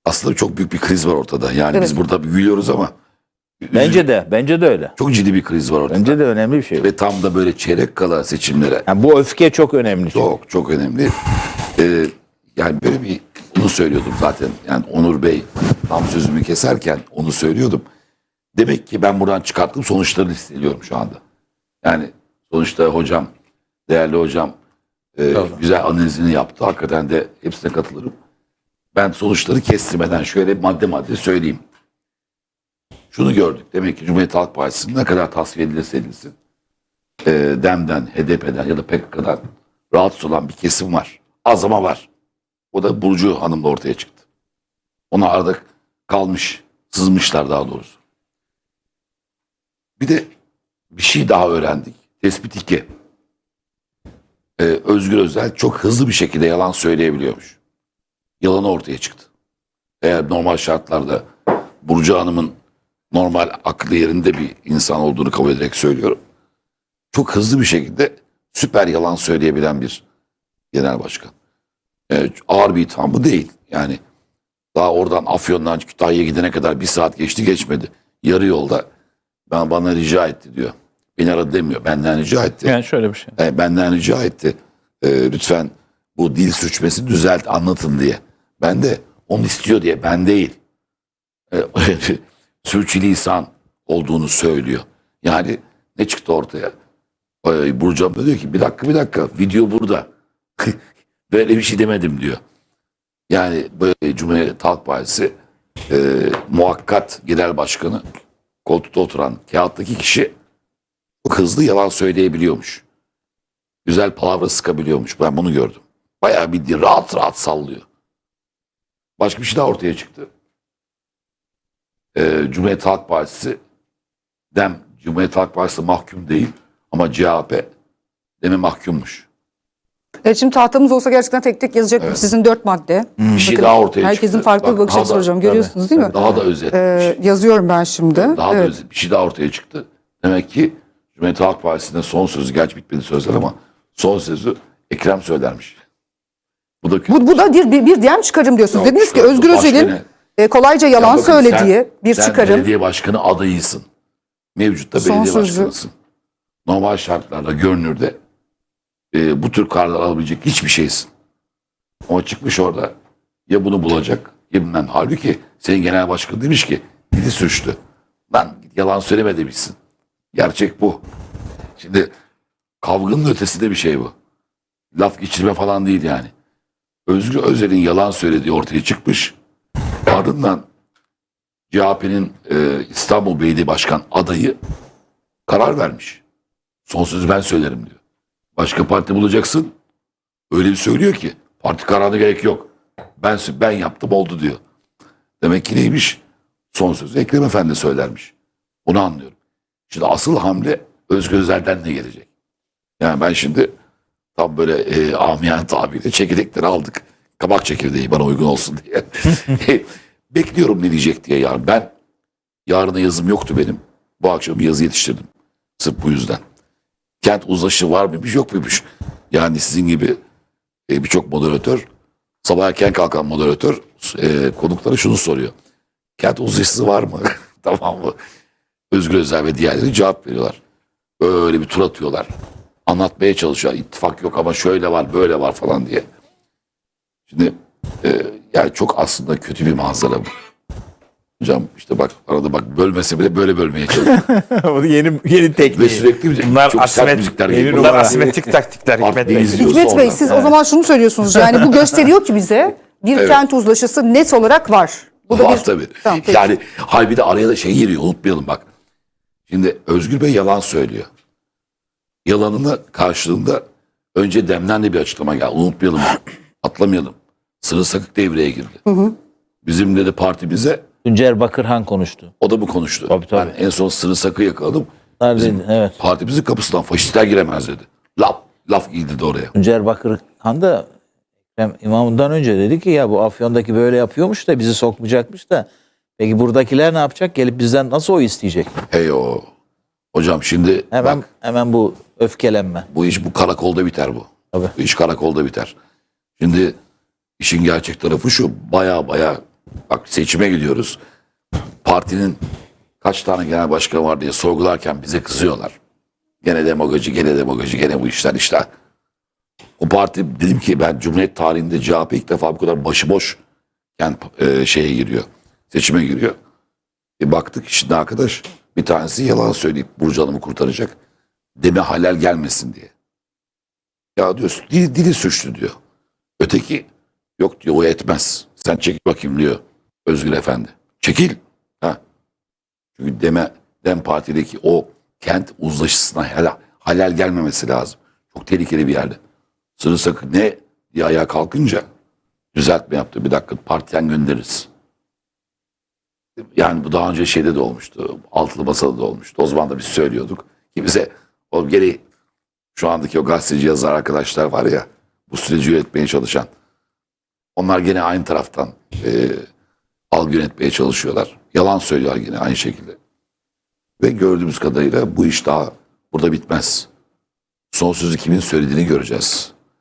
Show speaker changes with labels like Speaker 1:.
Speaker 1: aslında çok büyük bir kriz var ortada. Yani
Speaker 2: Evet.
Speaker 1: biz burada gülüyoruz ama
Speaker 3: Bence de öyle.
Speaker 1: çok ciddi bir kriz var ortada.
Speaker 3: Bence de önemli bir şey.
Speaker 1: Ve tam da böyle çeyrek kala seçimlere
Speaker 3: Yani bu öfke çok önemli.
Speaker 1: çok önemli. Yani böyle bunu söylüyordum zaten. Yani Onur Bey tam sözümü keserken onu söylüyordum. Demek ki ben buradan çıkarttığım sonuçlarını hissediyorum şu anda. Yani sonuçta hocam, değerli hocam güzel analizini yaptı. Hakikaten de hepsine katılırım. Ben sonuçları kestirmeden şöyle madde madde söyleyeyim. Şunu gördük. Demek ki Cumhuriyet Halk Partisi'nin ne kadar tasfiye edilirse edilsin DEM'den, HDP'den ya da PKK'dan rahatsız olan bir kesim var. Az ama var. O da Burcu Hanım'la ortaya çıktı. Ona arada kalmış, sızmışlar daha doğrusu. Bir de bir şey daha öğrendik. Tespit 2. Özgür Özel çok hızlı bir şekilde yalan söyleyebiliyormuş. Yalanı ortaya çıktı. Eğer normal şartlarda Burcu Hanım'ın normal aklı yerinde bir insan olduğunu kabul ederek söylüyorum. Çok hızlı bir şekilde süper yalan söyleyebilen bir genel başkan. Ağır bir itham bu değil. Yani daha oradan Afyon'dan Kütahya'ya gidene kadar 1 saat geçti geçmedi. Yarı yolda bana rica etti diyor. Beni aradı demiyor. Benden rica etti.
Speaker 3: Yani şöyle bir şey.
Speaker 1: Benden rica etti. Lütfen bu dil sürçmesini düzelt, anlatın diye. Ben de onu istiyor diye. Ben değil. Sürçülisan olduğunu söylüyor. Yani ne çıktı ortaya? Burcu abla diyor ki bir dakika video burada. Böyle bir şey demedim diyor. Yani böyle Cumhuriyet Halk Partisi muhakkat genel başkanı koltukta oturan kağıttaki kişi çok hızlı yalan söyleyebiliyormuş. Güzel palavra sıkabiliyormuş. Ben bunu gördüm. Bayağı bir rahat sallıyor. Başka bir şey daha ortaya çıktı. Cumhuriyet Halk Partisi Cumhuriyet Halk Partisi mahkum değil ama CHP deme mahkummuş.
Speaker 2: Evet, şimdi tahtamız olsa gerçekten tek tek yazacak sizin 4 madde.
Speaker 1: Bir şey
Speaker 2: Bakın,
Speaker 1: daha ortaya çıktı.
Speaker 2: herkesin farklı bir
Speaker 1: Bak,
Speaker 2: bakış
Speaker 1: daha
Speaker 2: açısı
Speaker 1: da-
Speaker 2: hocam. Görüyorsunuz değil mi?
Speaker 1: Daha da özet.
Speaker 2: Yazıyorum ben şimdi.
Speaker 1: Daha da
Speaker 2: Evet.
Speaker 1: özet. Bir şey daha ortaya çıktı. Demek ki Cumhuriyet Halk Partisi'nin son sözü, gerçi bitmedi sözler ama son sözü Ekrem söylermiş. Bu da kötü.
Speaker 2: Bu da bir diyen çıkarım diyorsunuz.
Speaker 1: Yok,
Speaker 2: Dediniz ki
Speaker 1: çıkarım.
Speaker 2: Özgür
Speaker 1: Başka
Speaker 2: Özel'in kolayca
Speaker 1: Ya
Speaker 2: yalan
Speaker 1: bakın,
Speaker 2: söylediği bir
Speaker 1: sen
Speaker 2: çıkarım.
Speaker 1: belediye başkanı adayısın. Mevcutta
Speaker 2: Son
Speaker 1: belediye
Speaker 2: sözü.
Speaker 1: başkanısın. Normal şartlarda görünürde bu tür kararlar alabilecek hiçbir şeysin. Ama çıkmış orada ya bunu bulacak ya bilmem. Halbuki senin genel başkan demiş ki dili sürçtü. Lan yalan söyleme demişsin. Gerçek bu. Şimdi kavganın ötesinde bir şey bu. Laf geçirme falan değil yani. Özgür Özel'in yalan söylediği ortaya çıkmış. Ardından CHP'nin İstanbul Belediye Başkan adayı karar vermiş. Son sözü ben söylerim diyor. Başka parti bulacaksın. Öyle bir söylüyor ki parti kararına gerek yok. Ben yaptım oldu diyor. Demek ki neymiş? Son sözü Ekrem Efendi söylermiş. Bunu anlıyorum. Şimdi asıl hamle Özgür Özel'den ne gelecek? Yani ben şimdi tam böyle amiyane tabiriyle çekirdekleri aldık. Kabak çekirdeği bana uygun olsun diye. Bekliyorum ne diyecek diye yarın. Ben yarına yazım yoktu benim. Bu akşam bir yazı yetiştirdim. Sırf bu yüzden. Kent uzlaşı var mıymış yok muymuş? Yani sizin gibi birçok moderatör, sabah erken kalkan moderatör konuklara şunu soruyor. Kent uzlaşısı var mı? Tamam mı? Özgür Özel ve diğerleri cevap veriyorlar. Öyle bir tur atıyorlar. Anlatmaya çalışıyor. İttifak yok ama şöyle var böyle var falan diye. Şimdi yani çok aslında kötü bir manzara bu. Hocam işte bak arada bak bölmese bile böyle bölmeye çalışıyor.
Speaker 3: Bu yeni tekniği.
Speaker 1: Ve sürekli
Speaker 3: Bunlar
Speaker 1: çok sert müzikler geliyor.
Speaker 3: Bunlar asimetrik taktikler Hikmet Bey.
Speaker 1: izliyor
Speaker 2: Hikmet
Speaker 1: sonra.
Speaker 2: Bey siz o zaman şunu söylüyorsunuz. Yani bu gösteriyor ki bize bir
Speaker 1: Evet.
Speaker 2: kent uzlaşısı net olarak var. Bu da
Speaker 1: Var
Speaker 2: bir...
Speaker 1: tabii.
Speaker 2: Tamam, peki.
Speaker 1: Yani bir de araya da şey giriyor unutmayalım bak. Şimdi Özgür Bey yalan söylüyor. Yalanına karşılığında önce DEM'den de bir açıklama geldi. Unutmayalım, atlamayalım. Sırrı Sakık devreye girdi. Bizim dedi partimize
Speaker 3: Tuncer Bakırhan konuştu.
Speaker 1: o da mı konuştu?
Speaker 3: Tabii.
Speaker 1: Ben en son Sırrı Sakık'ı yakaladım.
Speaker 3: Neredeydi? Evet.
Speaker 1: Partimizin kapısından faşistler giremez dedi. Laf girdi de oraya.
Speaker 3: Tuncer Bakırhan da Ekrem İmamoğlu'ndan önce dedi ki ya bu Afyon'daki böyle yapıyormuş da bizi sokmayacakmış da peki buradakiler ne yapacak? Gelip bizden nasıl oy isteyecek?
Speaker 1: Hey o. Hocam şimdi bak
Speaker 3: Hemen bu öfkelenme.
Speaker 1: bu iş bu karakolda biter bu.
Speaker 3: Tabii.
Speaker 1: Bu iş karakolda biter. Şimdi işin gerçek tarafı şu baya Bak seçime gidiyoruz. Partinin kaç tane genel başkanı var diye sorgularken bize kızıyorlar. Gene demagoji, gene demagoji, gene bu işler işte. O parti dedim ki ben Cumhuriyet tarihinde CHP ilk defa bu kadar başıboş şeye giriyor. Seçime giriyor. Baktık şimdi arkadaş bir tanesi yalan söyleyip Burcu Hanım'ı kurtaracak. Deme halal gelmesin diye. Ya diyor dili suçlu diyor. Öteki yok diyor o etmez. Sen çekil bakayım diyor Özgür Efendi. Çekil. Ha. Çünkü Dem Parti'deki o kent uzlaşısına halal gelmemesi lazım. Çok tehlikeli bir yerde. Sırılsıklam ne diye ayağa kalkınca düzeltme yaptı. Bir dakika partiden göndeririz. Yani bu daha önce şeyde de olmuştu. Altılı Masada da olmuştu. O zaman da biz söylüyorduk. Ki bize o geri şu andaki o gazeteci yazar arkadaşlar var ya bu süreci yönetmeye çalışan. Onlar gene aynı taraftan algı yönetmeye çalışıyorlar. Yalan söylüyorlar yine aynı şekilde. Ve gördüğümüz kadarıyla bu iş daha burada bitmez. Son sözü kimin söylediğini göreceğiz.